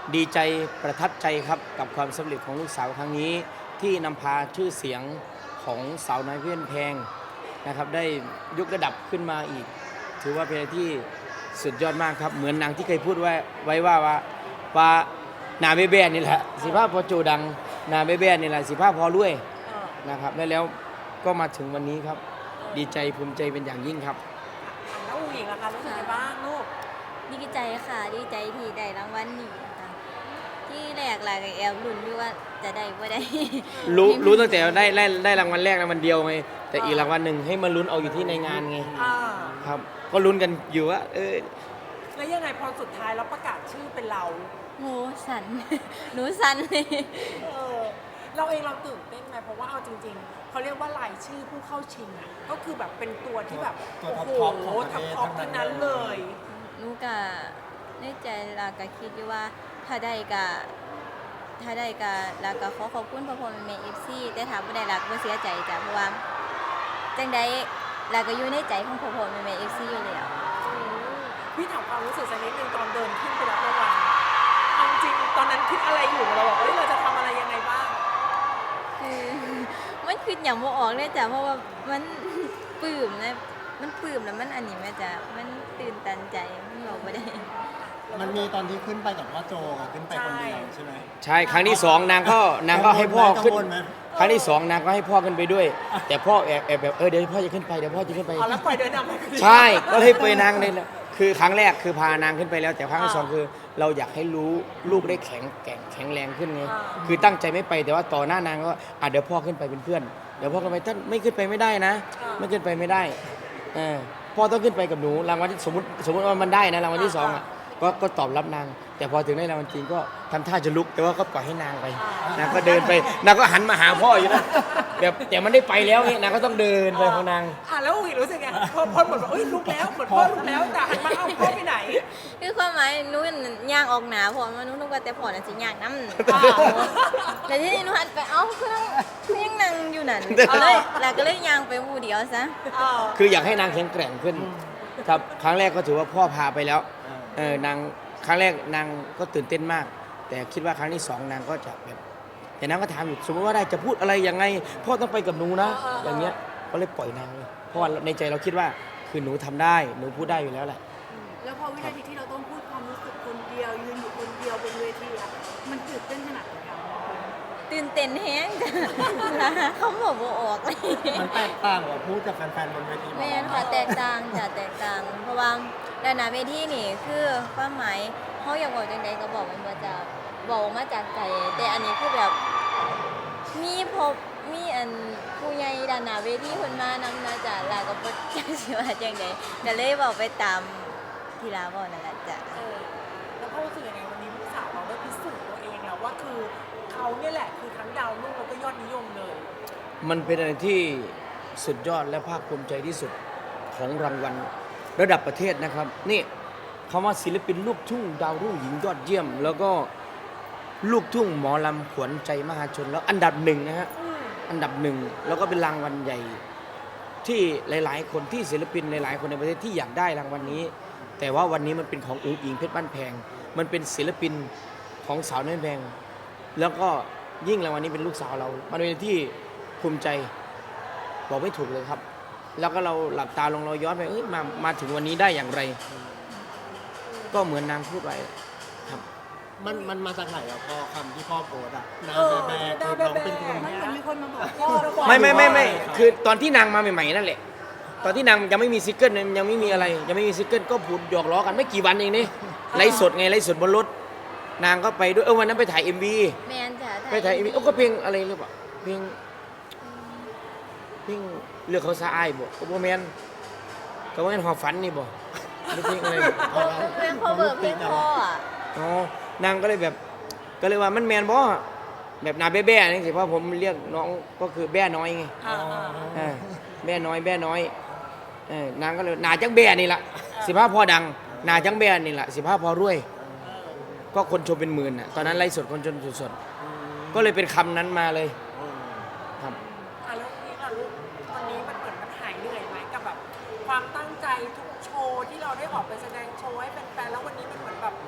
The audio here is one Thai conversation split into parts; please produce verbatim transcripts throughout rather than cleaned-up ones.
ดีใจประทับใจครับกับความสำเร็จของลูกสาวครั้งนี้ที่นำพาชื่อเสียงของสาวน้อยเพื่อนแพงนะครับได้ยกระดับขึ้นมาอีก ถือว่าเป็นอะไรที่สุดยอดมากครับเหมือนนางที่เคยพูดไว้ไว้ว่าว่าว่านาเบเบ้นี่แหละสิภาพพอโจดังนาเบเบ้นี่แหละสิภาพพอรวยนะครับและแล้วก็มาถึงวันนี้ครับดีใจภูมิใจเป็นอย่างยิ่งครับแล้วอูหญิงอะคะรู้สึกยังไงบ้างลูกดีใจค่ะดีใจที่ได้รางวัลนี้ค่ะที่แรกหลายกับแอบลุ้นอยู่ว่าจะได้บ่ได้รู้รู้ตั้งแต่ได้ได้ได้รางวัลแรกรางวัลเดียวไงแต่อีกรางวัลหนึ่งให้มาลุ้นเอาอยู่ที่ในงานไงอ่าครับก็ลุ้นกันอยู่ว่าเออแล้วยังไงพอสุดท้ายแล้วประกาศชื่อเป็นเราโหสัน หนูสันเลยเออเราเองเราตื่นเต้นไหมเพราะว่าเอาจริงๆเขาเรียกว่ารายชื่อผู้เข้าชิงอะก็คือแบบเป็นตัวที่แบบตัวโอ้ท็อปโหท็อปของประเทศท็อปๆทั้ทั้งงนั้นั้น นเลเลย ยหนูกะในใจลาก็คิดอยู่ว่าถ้าได้กะถ้าได้กะลาก็ขอขอบคุณพ่อพ่อแม่ เอฟ ซี แต่ถามบ่ได้ลาก็บ่เสียใจจ้ะเพราะว่าจังใดลาก็อยู่ในใจของพ่อพ่อแม่ เอฟ ซี อยู่แล้วพี่ถามความรู้สึกสักนิดนึงตอนเดินขึ้นไปรับรางวัลเอาจริงตอนนั้นคิดอะไรอยู่เราบอกเอ้ยเราจะทำอะไรยังไงบ้างคือ มันคืออย่างบ่ออกเลยจ้ะเพราะว่ามัน ปลื้มนะมันปลื้มแล้วมันอันนี้แม่จ้ะมันตื่นตันใจมันบอกบ่ได้มันมีตอนที่ขึ้นไปกับพ่อโจอะขึ้นไปคนเดียวใช่ไหมใช่ครั้งที่สองนางก็นางก็ให้พ่อขึ้นกังวลไหมครั้งที่สองนางก็ให้พ่อขึ้นไปด้วย แต่พ่อแอบแอบแบบเออเดี๋ยวพ่อจะขึ้นไปเดี๋ยวพ่อจะขึ้นไปเอาแล้วปล่อยเดินนำไปคนเดียวใช่ก็เลยไปนางเลยนะคือครั้งแรกคือพานางขึ้นไปแล้ว แต่ครั้งที่สองคือ เราอยากให้รู้ลูกได้แข็งแกร่งแข็งแรงขึ้นไงคือตั้งใจไม่ไปแต่ว่าต่อหน้านางก็อ่ะเดี๋ยวพ่อขึ้นไปเป็นเพื่อนเดี๋ยวพ่อขึ้นไปท่านไม่ขึ้นไปไม่ได้นะ ไม่ขึ้นไปไม่ได้เออพ่อต้องขึ้นไปกับหนูรางวัลที่สมมติสมมติว่ามันได้นะรางวัลที่สองอ่ะก็ก็ตอบรับนาง แต่พอถึงได้รางวัลจริงก็ทำท่าจะลุกแต่ว่าก็ปล่อยให้นางไปนางก็เดินไปนางก็หันมาหาพ่ออยู่นะแบบแต่มันได้ไปแล้วไงนางก็ต้องเดินไปของนางอ่ะแล้วอูหญิงรู้สึกไงพอพอเหมือนว่าเอ้ยลุกแล้วเหมือนพ่อลุกแล้วแต่หันมาเอ้าพ่อไปไหนคือความหมายหนูย่างออกหนาพอมาหนูนึกว่าแต่พอน่ะสิย่างน้ำอ่าแล้วที่นี่หนูหันไปเอ้าคือนั่งคือยังนั่งอยู่นั่นก็เลยแล้วก็เลยย่างไปผู้เดียวซะเออคืออยากให้นางแข็งแกร่งขึ้นครับครั้งแรกก็ถือว่าพ่อพาไปแล้วเออนางครั้งแรกนางก็ตื่นเต้นมาก แต่คิดว่าครั้งที่สองนางก็จะแบบแต่นางก็ถามอยู่สมมติว่าได้จะพูดอะไรยังไงพ่อต้องไปกับหนูนะ อย่างเงี้ยก็เลยปล่อยนางเลยเพราะว่าในใจเราคิดว่าคือหนูทำได้หนูพูดได้อยู่แล้วแหละแล้วพอวินาทีที่เราต้องพูดความรู้สึกคนเดียวยืนอยู่คนเดียวบนเวทีอะมันตื่นเต้นขนาดไหนอะตื่นเต้นแฮงจ้ะเขาบอกบ่ออกเลยมันแตกต่างกว่าพูดกับแฟนๆบนเวทีไหมแม่นค่ะแตกต่างจ้ะแตกต่าง เพราะว่าด้านหน้าเวทีนี่คือความหมายเขาอยากบอกจังใดก็บอกมันมาจากบอกมาจากใจแต่อันนี้คือแบบมีพบมีอันผู้ใหญ่ด้านหน้าเวทีเพิ่นมานำนะจ้ะแล้วก็บ่จักสิว่าจังใดก็เลยบอกไปตามที่ลาบอกนั่นแหละจ้ะเออแล้วพ่อรู้สึกยังไงวันนี้ลูกสาวเราได้พิสูจน์ตัวเองแล้วว่าคือเขาเนี่ยแหละคือทั้งดาวรุ่งแล้วก็ยอดนิยมเลยมันเป็นอะไรที่สุดยอดและภาคภูมิใจที่สุดของรางวัลระดับประเทศนะครับนี่คำว่าศิลปินลูกทุ่งดาวรุ่งหญิงยอดเยี่ยม แล้วก็ลูกทุ่งหมอลำขวัญใจมหาชนแล้วอันดับหนึ่งนะฮะอันดับหนึ่งแล้วก็เป็นรางวัลใหญ่ที่หลาย ๆ คนที่ศิลปินหลายๆคนในประเทศที่อยากได้รางวัลนี้ แต่ว่าวันนี้มันเป็นของอุ๋งอิงเพชรบ้านแพงมันเป็นศิลปินของสาวน้อยแพงแล้วก็ยิ่งรางวัลนี้เป็นลูกสาวเรามันเป็นที่ภูมิใจบอกไม่ถูกเลยครับ แล้วก็เราหลับตาลงเราย้อนไปเอ้ยมามาถึงวันนี้ได้อย่างไร ก็เหมือนนางพูดไว้ครับมันมันมาจากไหนอะพ่อคำที่พ่อโพสต์อะนาเออแบแบนาคือแบแบน้องเป็นคนมันเหมือนมีคนมาบอกพ่อเราบอกไม่ไม่ไม่ไม่คือตอนที่นางมาใหม่ๆนั่นแหละตอนที่นางยังไม่มีซิงเกิลยังไม่มีอะไร ยังไม่มีซิงเกิลก็พูดหยอกล้อกันไม่กี่วันเองนี่ไลฟ์สดไงไลฟ์สดบนรถนางก็ไปด้วยเออวันนั้นไปถ่าย เอ็ม วีแม่นจ้ะไปถ่าย เอ็ม วีโอ้ก็เพลงอะไรหรือเปล่าเพลงเพลงเลือกเขาสะอายบ่ก็บ่แม่นก็บ่แม่นหอบฝันนี่บ่หรือเพลงอะไรเพลง cover เพลงพ่ออ่ะอ๋อนางก็เลยแบบก็เลยว่ามันแมนบ่แบบนาแบ้ๆนี่สิเพราะผมเรียกน้องก็คือแบ้น้อยไงอ่าอ่าเออแบ้น้อยแบ้น้อยเออนางก็เลยนาจังแบ้นี่ล่ะสิพาพอดังนาจังแบ้นี่ล่ะสิพาพอรวย ก็คนชมเป็นหมื่นน่ะตอนนั้นไลฟ์สดคนชมสดๆก็เลยเป็นคำนั้นมาเลยครับอ่ะแล้วนี่ล่ะลูกวันนี้มันเหมือนมันหายเหนื่อยไหมกับแบบความตั้งใจทุกโชว์ที่เราได้ออกไปแสดงโชว์ให้แฟนๆแล้ววันนี้มันเหมือนแบบม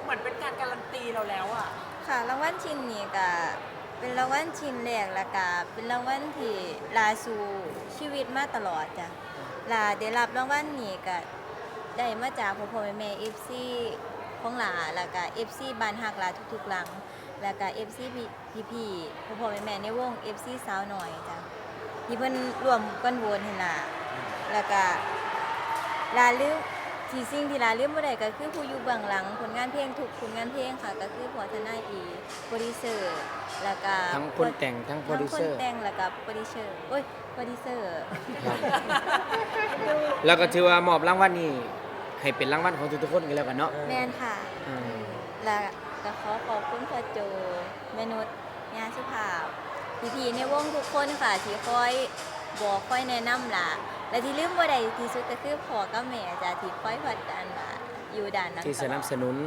มือนเป็นการการันตีเราแล้วอ่ะค่ะรางวัลชิ้นนี้ก็เป็นรางวัลชิ้นแรกแล้วก็เป็นรางวัลที่ลาสู่ชีวิตมาตลอดจ้ะลาได้รับรางวัลนี้ก็ได้มาจากพ่อพ่อแม่แม่ เอฟ ซี ของหลาแล้วก็ เอฟ ซี บ้านฮักหลาทุกๆหลังแล้วก็ เอฟ ซี พี่พี่ๆพ่อพ่อแม่แม่ในวง เอฟ ซี สาวหน่อยจ้ะที่เพิ่นร่วมกันโหวตให้ล่ะแล้วก็ลาลืมที่สิ่งที่ลาลืมบ่ได้ก็คือผู้อยู่เบื้องหลังผลงานเพลงทุกผลงานเพลงค่ะก็คือพอทนายอีโปรดิวเซอร์แล้วก็ทั้งคนแต่งทั้งโปรดิวเซอทั้งร์คนแต่งแล้วก็โปรดิวเซอร์โอ้ยโปรดิวเซอร์ครับแล้วก็ถือว่ามอบรางวัลนี้ให้เป็นรางวัลของทุกๆคนกันแล้วกันเนาะแมนค่ะอืมแล้วก็ขอขอบคุณพ่อโจแม่นุชยาสุภาพพี่ๆในวงทุกคนค่ะที่คอยบอกคอยแนะนำล่ะและที่ลืมบ่ได้ที่สุดก็คือพ่อกับแม่จ้ะที่คอยผลักดันมาอยู่ด้านหลังที่สนับสนุน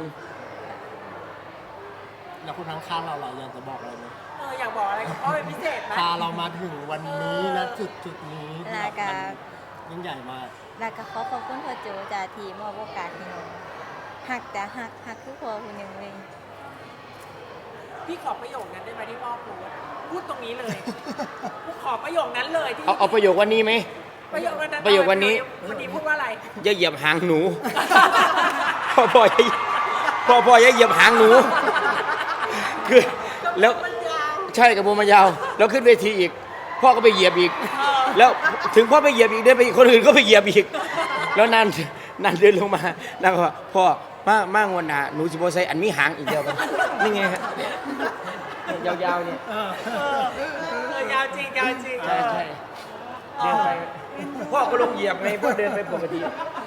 แล้วคุณทั้งข้างเราเราอยากจะบอกอะไรไหมเอออยากบอกอะไรกับพ่อเป็นพิเศษไหมพาเรามาถึงวันนี้นะจุดจุดนี้ที่แล้แบวบก็มันยิ่งใหญ่มากแล้วก็ขอขอบคุณพ่อโจจ้ะที่มอบโอกาสให้หนูหักจ้ะหักหักคือพ่อคนหนึ่งเลยพี่ขอประโยคนั้นได้ไหมที่พ่อพูดพูดตรงนี้เลยพูดขอประโยคนั้นเลยที่เอาเอาประโยควันนี้ไหมประโยคนั้นประโยควันนี้วันนี้พูดว่าอะไรอย่าเหยียบหางหนู พ่อพ่ออย่าพ่อพ่ออย่าเหยียบหางหนู คือแล้วมันยาวใช่กับโมมันยาวแล้วขึ้นเวทีอีก พ่อก็ไปเหยียบอีก แล้วถึงพ่อไปเหยียบอีกเดินไปอีกคนอื่นก็ไปเหยียบอีก แล้วนันนันเดินลงมาแล้วก็ว่าพ่อมามางวนหนาหนูสิบโใส่อันมีหางอีกเดียวกันนี่ไงฮะยาวๆเนี่ยเออเออยาวจริงยาวจริงใช่ใช่เดินไปพ่อก็ลงเหยียบไงพ่อเดินไปปกติ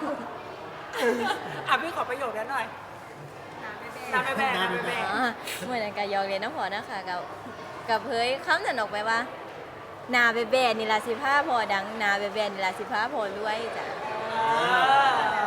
อ่ะพี่ขอประโยคนั้นหน่อยน้ำแม่แม่น้ำแม่แม่อ๋อเหมือนกับยองเรียนน้ำพอนะคะกับกับเผยคำนั้นออกไปว่า นาเบเบนี่ลาสิผ้าพอดังนาเบเบนี่ลาสิผ้าพอรวยจ้ะเออ